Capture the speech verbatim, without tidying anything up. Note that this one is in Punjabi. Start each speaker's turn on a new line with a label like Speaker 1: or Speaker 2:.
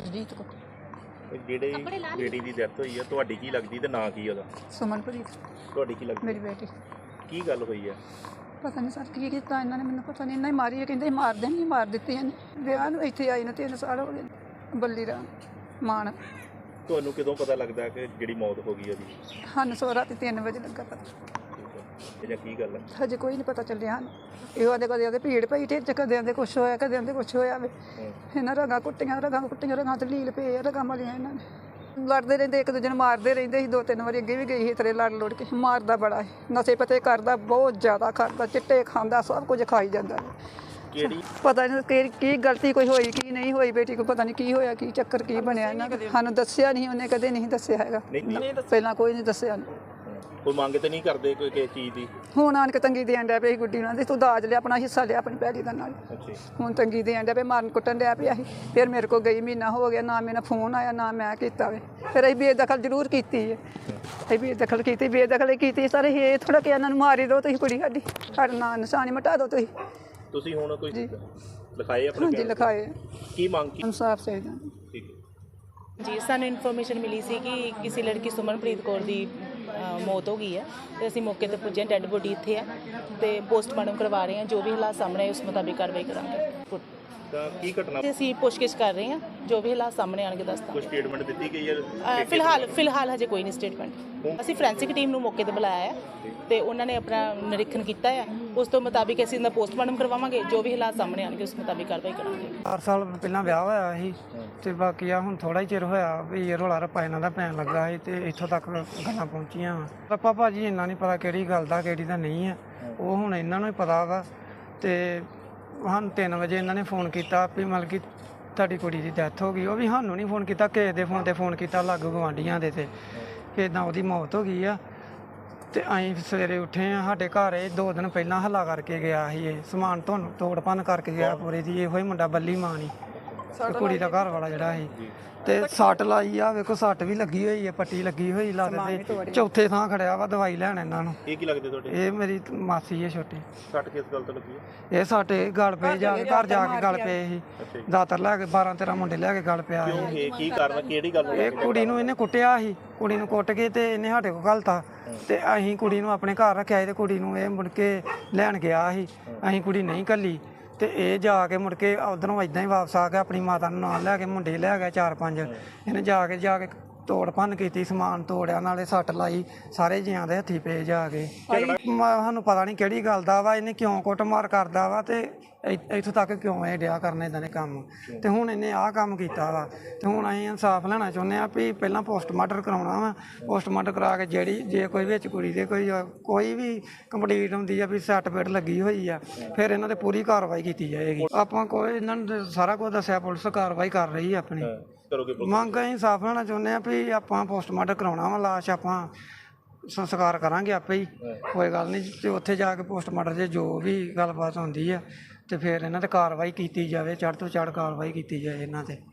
Speaker 1: ਸਤਜੀਤ ਕੋ
Speaker 2: ਜਿਹੜੇ ਬੇਟੀ ਦੀ ਡੈਥ ਹੋਈ ਆ ਤੁਹਾਡੀ ਕੀ ਲੱਗਦੀ ਤੇ ਨਾਂ ਕੀ ਉਹਦਾ?
Speaker 1: ਸੁਮਨਪ੍ਰੀਤ
Speaker 2: ਤੁਹਾਡੀ ਕੀ ਲੱਗਦੀ?
Speaker 1: ਮੇਰੀ ਬੇਟੀ।
Speaker 2: ਕੀ ਗੱਲ ਹੋਈ ਆ?
Speaker 1: ਪਤਾ ਨਹੀਂ ਸਰ ਕੀ ਕੀਤਾ ਇਹਨਾਂ ਨੇ, ਮੈਨੂੰ ਪਤਾ ਨਹੀਂ। ਇਹਨਾਂ ਹੀ ਮਾਰੀ ਹੈ, ਕਹਿੰਦੇ ਮਾਰ ਦੇਣੀ, ਮਾਰ ਦਿੱਤੀ ਇਹਨੇ। ਵਿਆਹ ਨੂੰ ਇੱਥੇ ਆਈ ਨੂੰ ਤਿੰਨ ਸਾਲ ਹੋ ਗਏ। ਬੱਲੀ ਰਾਮ ਮਾਨ।
Speaker 2: ਤੁਹਾਨੂੰ ਕਦੋਂ ਪਤਾ ਲੱਗਦਾ ਕਿ ਜਿਹੜੀ ਮੌਤ ਹੋ ਗਈ ਉਹਦੀ?
Speaker 1: ਸਾਨੂੰ ਸੋ ਰਾਤੀ ਤਿੰਨ ਵਜੇ ਲੱਗਾ ਪਤਾ।
Speaker 2: ਜਾਂ ਕੀ ਗੱਲ ਹੈ?
Speaker 1: ਹਜੇ ਕੋਈ ਨਹੀਂ ਪਤਾ ਚੱਲਿਆ ਸਾਨੂੰ। ਇਹੋ ਦੇ ਕਦੇ ਉਹਦੇ ਭੀੜ ਪਈ ਢਿੱਡ, ਕਦੇ ਦੇ ਕੁਛ ਹੋਇਆ, ਕਦੇ ਦੇ ਕੁਛ ਹੋਇਆ ਵੇ। ਇਹਨਾਂ ਰਗਾਂ ਕੁੱਟੀਆਂ, ਰਗਾਂ ਕੁੱਟੀਆਂ, ਰਗਾਂ ਤੇ ਲੀਲ ਪਏ ਆ, ਰਗਾਂ ਮਾਰੀਆਂ ਇਹਨਾਂ ਨੇ। ਲੜਦੇ ਰਹਿੰਦੇ, ਇੱਕ ਦੂਜੇ ਨੂੰ ਮਾਰਦੇ ਰਹਿੰਦੇ ਸੀ। ਦੋ ਤਿੰਨ ਵਾਰੀ ਅੱਗੇ ਵੀ ਗਈ ਸੀ ਤੇਰੇ ਲੜ ਲੁੜ ਕੇ। ਮਾਰਦਾ ਬੜਾ ਸੀ, ਨਸ਼ੇ ਪਤੇ ਕਰਦਾ, ਬਹੁਤ ਜ਼ਿਆਦਾ ਕਰਦਾ, ਚਿੱਟੇ ਖਾਂਦਾ, ਸਭ ਕੁਝ ਖਾਈ ਜਾਂਦਾ।
Speaker 2: ਕਿਹੜੀ
Speaker 1: ਪਤਾ ਨਹੀਂ ਕਿ ਕੀ ਗਲਤੀ ਕੋਈ ਹੋਈ ਕੀ ਨਹੀਂ ਹੋਈ ਬੇਟੀ ਕੋ, ਪਤਾ ਨਹੀਂ ਕੀ ਹੋਇਆ, ਕੀ ਚੱਕਰ ਕੀ ਬਣਿਆ ਇਹਨਾਂ ਦਾ। ਸਾਨੂੰ ਦੱਸਿਆ ਨਹੀਂ, ਉਹਨੇ ਕਦੇ ਨਹੀਂ ਦੱਸਿਆ ਹੈਗਾ, ਪਹਿਲਾਂ ਕੋਈ ਨਹੀਂ ਦੱਸਿਆ।
Speaker 2: ਕੋਈ ਮੰਗ ਤੇ ਨਹੀਂ ਕਰਦੇ ਕੋਈ ਕਿਸੇ ਚੀਜ਼ ਦੀ?
Speaker 1: ਹੁਣ ਆਣ ਕੇ ਤੰਗੀ ਦੇਣ ਡਿਆ ਪਿਆ ਸੀ ਗੁੱਡੀ ਨਾਲ, ਤੂੰ ਦਾਜ ਲਿਆ, ਆਪਣਾ ਹਿੱਸਾ ਲਿਆ ਆਪਣੀ ਭੈੜੀ ਦਾ ਨਾਲ। ਹੁਣ ਤੰਗੀ ਦੇਣ ਡਿਆ ਪਿਆ, ਮਾਰਨ ਕੁੱਟਣ ਡਿਆ ਪਿਆ ਸੀ। ਫਿਰ ਮੇਰੇ ਕੋਲ ਗਈ, ਮਹੀਨਾ ਹੋ ਗਿਆ, ਨਾ ਮੇਰਾ ਫੋਨ ਆਇਆ, ਨਾ ਮੈਂ ਕੀਤਾ ਵੇ। ਫਿਰ ਅਸੀਂ ਬੇਦਖਲ ਜ਼ਰੂਰ ਕੀਤੀ ਹੈ, ਅਸੀਂ ਬੇਦਖਲ ਕੀਤੀ, ਬੇਦਖਲ ਕੀਤੀ ਸਰ। ਇਹ ਥੋੜਾ ਕਿ ਇਹਨਾਂ ਨੂੰ ਮਾਰੀ ਦਿਓ ਤੁਸੀਂ, ਕੁੜੀ ਸਾਡੀ, ਸਾਡਾ ਨਾਂ ਨਿਸ਼ਾਨੀ ਮਿਟਾ ਦਿਓ ਤੁਸੀਂ।
Speaker 2: ਤੁਸੀਂ ਹੁਣ ਕੋਈ ਲਿਖਾਏ ਆਪਣੇ?
Speaker 1: ਹਾਂਜੀ ਲਿਖਾਏ।
Speaker 2: ਕੀ ਮੰਗ ਕੀ?
Speaker 1: ਇਨਸਾਫ ਚਾਹੀਦਾ।
Speaker 2: ਠੀਕ ਹੈ
Speaker 3: ਜੀ, ਸਾਨੂੰ ਇਨਫੋਰਮੇਸ਼ਨ ਮਿਲੀ ਸੀ ਕਿ ਕਿਸੇ ਲੜਕੀ ਸੁਮਨਪ੍ਰੀਤ ਕੌਰ ਦੀ ਮੌਤ ਹੋ ਗਈ ਹੈ ਤੇ ਅਸੀਂ ਮੌਕੇ ਤੇ ਪੁੱਜੇ। ਡੈੱਡ ਬੋਡੀ ਇੱਥੇ ਹੈ ਤੇ ਪੋਸਟਮਾਰਟਮ ਕਰਵਾ ਰਹੇ ਹਾਂ। ਜੋ ਵੀ ਹਾਲਾਤ ਸਾਹਮਣੇ ਆਏ ਉਸ ਮੁਤਾਬਿਕ ਕਾਰਵਾਈ ਕਰਾਂਗੇ।
Speaker 2: ਤਾਂ ਕੀ ਘਟਨਾ?
Speaker 3: ਤੇ ਅਸੀਂ ਪੁੱਛਗਿੱਛ ਕਰ ਰਹੇ ਹਾਂ, ਜੋ ਵੀ ਹਾਲਾਤ ਸਾਹਮਣੇ ਆਣਗੇ ਦੱਸਦਾ।
Speaker 2: ਕੋਈ ਸਟੇਟਮੈਂਟ ਦਿੱਤੀ ਗਈ ਹੈ?
Speaker 3: ਫਿਲਹਾਲ ਫਿਲਹਾਲ ਹਜੇ ਕੋਈ ਨਹੀਂ ਸਟੇਟਮੈਂਟ। ਅਸੀਂ ਫੋਰੈਂਸਿਕ ਟੀਮ ਨੂੰ ਮੌਕੇ ਤੇ ਬੁਲਾਇਆ ਹੈ ਤੇ ਉਹਨਾਂ ਨੇ ਆਪਣਾ ਨਿਰੀਖਣ ਕੀਤਾ ਹੈ। ਉਸ ਤੋਂ ਮੁਤਾਬਿਕ ਅਸੀਂ ਇਹਦਾ ਪੋਸਟਮਾਰਟਮ ਕਰਵਾਵਾਂਗੇ। ਜੋ ਵੀ ਹਾਲਾਤ ਸਾਹਮਣੇ ਆਣਗੇ ਉਸ ਮੁਤਾਬਿਕ ਕਾਰਵਾਈ ਕਰਾਂਗੇ।
Speaker 4: ਚਾਰ ਸਾਲ ਪਹਿਲਾਂ ਵਿਆਹ ਹੋਇਆ ਸੀ ਤੇ ਬਾਕੀ ਆ ਹੁਣ ਥੋੜਾ ਹੀ ਚਿਰ ਹੋਇਆ ਵੀ ਇਹ ਰੌਲਾ ਰੱਪਾ ਇਹਨਾਂ ਦਾ ਪੈਣ ਲੱਗਾ ਸੀ ਤੇ ਇੱਥੋਂ ਤੱਕ ਗੱਲਾਂ ਪਹੁੰਚੀਆਂ ਵਾ। ਰੱਪਾ ਭਾਜੀ ਇੰਨਾ ਨਹੀਂ ਪਤਾ ਕਿਹੜੀ ਗੱਲ ਦਾ ਕਿਹੜੀ ਦਾ ਨਹੀਂ ਆ, ਉਹ ਹੁਣ ਇਹਨਾਂ ਨੂੰ ਹੀ ਪਤਾ ਵਾ। ਤੇ ਸਾਨੂੰ ਤਿੰਨ ਵਜੇ ਇਹਨਾਂ ਨੇ ਫੋਨ ਕੀਤਾ ਵੀ ਮਤਲਬ ਕਿ ਤੁਹਾਡੀ ਕੁੜੀ ਦੀ ਡੈਥ ਹੋ ਗਈ। ਉਹ ਵੀ ਸਾਨੂੰ ਨਹੀਂ ਫੋਨ ਕੀਤਾ, ਕਿਸੇ ਦੇ ਫੋਨ 'ਤੇ ਫੋਨ ਕੀਤਾ, ਲਾਗੂ ਗਵਾਂਢੀਆਂ ਦੇ ਤੇ ਕਿ ਇੱਦਾਂ ਉਹਦੀ ਮੌਤ ਹੋ ਗਈ ਆ। ਤੇ ਅਸੀਂ ਸਵੇਰੇ ਉੱਠੇ ਆ, ਸਾਡੇ ਘਰ ਇਹ ਦੋ ਦਿਨ ਪਹਿਲਾਂ ਹੱਲਾ ਕਰਕੇ ਗਿਆ ਸੀ। ਇਹ ਸਮਾਨ ਤੁਹਾਨੂੰ ਤੋੜ ਭੰਨ ਕਰਕੇ ਗਿਆ ਪੂਰੇ ਦੀ। ਇਹੋ ਹੀ ਮੁੰਡਾ ਬੱਲੀ ਮਾਂ ਨਹੀਂ, ਕੁੜੀ ਦਾ ਘਰ ਵਾਲਾ ਜਿਹੜਾ ਸੀ। ਤੇ ਸੱਟ ਲਾਈ ਆ, ਵੇਖੋ ਸੱਟ ਵੀ ਲੱਗੀ ਹੋਈ ਹੈ, ਪੱਟੀ ਲੱਗੀ ਹੋਈ ਲੱਤ ਤੇ। ਚੌਥੇ ਥਾਂ ਖੜਿਆ ਵਾ ਦਵਾਈ ਲੈਣ ਇਹਨਾਂ ਨੂੰ।
Speaker 2: ਇਹ ਕੀ ਲੱਗਦੇ ਤੁਹਾਡੇ? ਇਹ
Speaker 4: ਮੇਰੀ ਮਾਸੀ ਹੈ ਛੋਟੀ।
Speaker 2: ਸੱਟ ਕਿਸ ਗੱਲ ਤੋਂ ਲੱਗੀ ਹੈ?
Speaker 4: ਇਹ ਸਾਡੇ ਗਲ ਪਏ ਜਾ ਕੇ, ਘਰ ਜਾ ਕੇ ਗਲ ਪਏ ਸੀ। ਦਾਤਰ ਲੈ ਕੇ ਬਾਰਾਂ ਤੇਰਾਂ ਮੁੰਡੇ ਲੈ ਕੇ ਗਲ ਪਿਆ ਸੀ।
Speaker 2: ਇਹ ਕੀ ਕਾਰਨ, ਕਿਹੜੀ ਗੱਲ?
Speaker 4: ਇਹ ਕੁੜੀ ਨੂੰ ਇਹਨੇ ਕੁੱਟਿਆ ਸੀ, ਕੁੜੀ ਨੂੰ ਕੁੱਟ ਕੇ ਤੇ ਇਹਨੇ ਸਾਡੇ ਕੋਲ ਘਲਤਾ ਤੇ ਅਸੀਂ ਕੁੜੀ ਨੂੰ ਆਪਣੇ ਘਰ ਰੱਖਿਆ ਤੇ ਕੁੜੀ ਨੂੰ ਇਹ ਮੁੜ ਕੇ ਲੈਣ ਗਿਆ ਸੀ। ਅਸੀਂ ਕੁੜੀ ਨਹੀਂ ਘੱਲੀ ਤੇ ਇਹ ਜਾ ਕੇ ਮੁੜ ਕੇ ਉਧਰੋਂ ਇਦਾਂ ਹੀ ਵਾਪਸ ਆ ਗਿਆ, ਆਪਣੀ ਮਾਤਾ ਨੂੰ ਨਾਲ ਲੈ ਕੇ। ਮੁੰਡੇ ਲੈ ਗਿਆ ਚਾਰ ਪੰਜ। ਇਹਨੇ ਜਾ ਕੇ ਜਾ ਕੇ ਤੋੜ ਭੰਨ ਕੀਤੀ, ਸਮਾਨ ਤੋੜਿਆ, ਨਾਲੇ ਸੱਟ ਲਾਈ, ਸਾਰੇ ਜੀਆਂ ਦੇ ਹੱਥੀ ਪਏ ਜਾ ਕੇ। ਸਾਨੂੰ ਪਤਾ ਨਹੀਂ ਕਿਹੜੀ ਗੱਲ ਦਾ ਵਾ, ਇਹਨੇ ਕਿਉਂ ਕੁੱਟਮਾਰ ਕਰਦਾ ਵਾ ਤੇ ਇੱਥੋਂ ਤੱਕ ਕਿਉਂ ਇਹ ਡਿਆ ਕਰਨ ਇਦਾਂ ਦੇ ਕੰਮ। ਤੇ ਹੁਣ ਇਹਨੇ ਆਹ ਕੰਮ ਕੀਤਾ ਵਾ ਤੇ ਹੁਣ ਅਸੀਂ ਇਨਸਾਫ ਲੈਣਾ ਚਾਹੁੰਦੇ ਹਾਂ ਵੀ ਪਹਿਲਾਂ ਪੋਸਟਮਾਰਟਮ ਕਰਾਉਣਾ ਵਾ। ਪੋਸਟਮਾਰਟਮ ਕਰਾ ਕੇ ਜਿਹੜੀ ਜੇ ਕੋਈ ਵਿੱਚ ਕੁੜੀ ਦੇ ਕੋਈ ਕੋਈ ਵੀ ਕੰਪਲੀਟ ਹੁੰਦੀ ਆ ਵੀ ਸੱਟ ਪੇਟ ਲੱਗੀ ਹੋਈ ਆ, ਫਿਰ ਇਹਨਾਂ 'ਤੇ ਪੂਰੀ ਕਾਰਵਾਈ ਕੀਤੀ ਜਾਏਗੀ। ਆਪਾਂ ਕੋਈ ਇਹਨਾਂ ਨੂੰ ਸਾਰਾ ਕੁਝ ਦੱਸਿਆ, ਪੁਲਿਸ ਕਾਰਵਾਈ ਕਰ ਰਹੀ ਆਪਣੀ। ਮੰਗ ਅਸੀਂ ਇਨਸਾਫ ਲੈਣਾ ਚਾਹੁੰਦੇ ਹਾਂ ਵੀ ਆਪਾਂ ਪੋਸਟਮਾਰਟਮ ਕਰਾਉਣਾ ਵਾ, ਲਾਸ਼ ਆਪਾਂ ਸੰਸਕਾਰ ਕਰਾਂਗੇ ਆਪੇ ਹੀ, ਕੋਈ ਗੱਲ ਨਹੀਂ। ਤੇ ਉੱਥੇ ਜਾ ਕੇ ਪੋਸਟਮਾਰਟਮ 'ਚ ਜੋ ਵੀ ਗੱਲਬਾਤ ਹੁੰਦੀ ਆ ਤੇ ਫਿਰ ਇਹਨਾਂ 'ਤੇ ਕਾਰਵਾਈ ਕੀਤੀ ਜਾਵੇ, ਚੜ੍ਹ ਤੋਂ ਚੜ੍ਹ ਕਾਰਵਾਈ ਕੀਤੀ ਜਾਏ ਇਹਨਾਂ 'ਤੇ।